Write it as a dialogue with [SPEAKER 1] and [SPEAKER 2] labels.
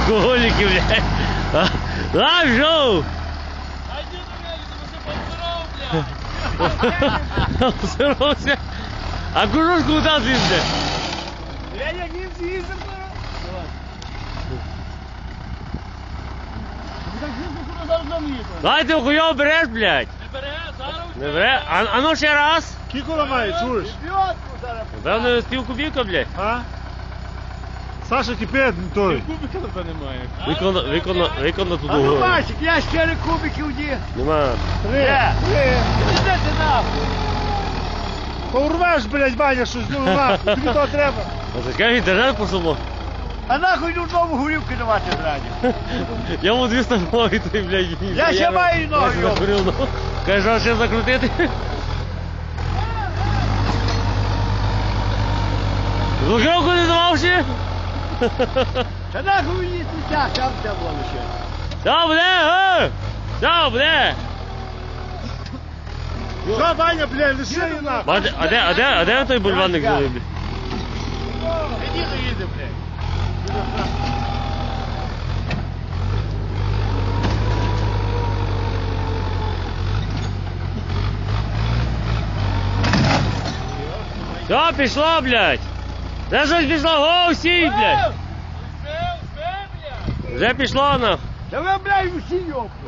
[SPEAKER 1] Алкоголики, блядь. Лав, шоу!
[SPEAKER 2] Айди на велике, мы все
[SPEAKER 1] Обсыровся. А кружок куда злился?
[SPEAKER 2] Я не съездил,
[SPEAKER 1] Дай ти хуйово береш, блядь.
[SPEAKER 2] Не бере, зараз.
[SPEAKER 1] Не бере? А ну ще раз.
[SPEAKER 3] Кіко має, чуєш?
[SPEAKER 1] Певно, пів кубівка, блядь.
[SPEAKER 3] А? Саша кипить той.
[SPEAKER 2] Кубика тебе немає.
[SPEAKER 1] Виконано тут
[SPEAKER 4] А ну
[SPEAKER 1] угору.
[SPEAKER 4] бачик, я 4 кубиків дів.
[SPEAKER 1] Нема.
[SPEAKER 4] Де? Іди ти нахуй.
[SPEAKER 3] Порвеш, блядь, Ваня, щось, ну нахуй, тобі то треба.
[SPEAKER 1] А зачекай, інтернет посумо.
[SPEAKER 4] А нахуй йду знову горівки давати зраді.
[SPEAKER 1] Я йому 200 ноги, той, блядь.
[SPEAKER 4] Я ще маю ноги,
[SPEAKER 1] Я закурив ногу. Каже, а ще закрутити? Блокировку не давав ще?
[SPEAKER 4] Та нахуй мені тут там де було ще.
[SPEAKER 1] Що буде? Що буде?
[SPEAKER 3] Що, Ваня, блядь, лиши її нахуй.
[SPEAKER 1] А де той бульварник живе?
[SPEAKER 4] Іди доїди, блядь.
[SPEAKER 1] Все, пішло, блядь. Вже щось пішло, гоу, сій, блядь. Вже пішло, нахуй.
[SPEAKER 4] Та ви, блядь, усі йопли.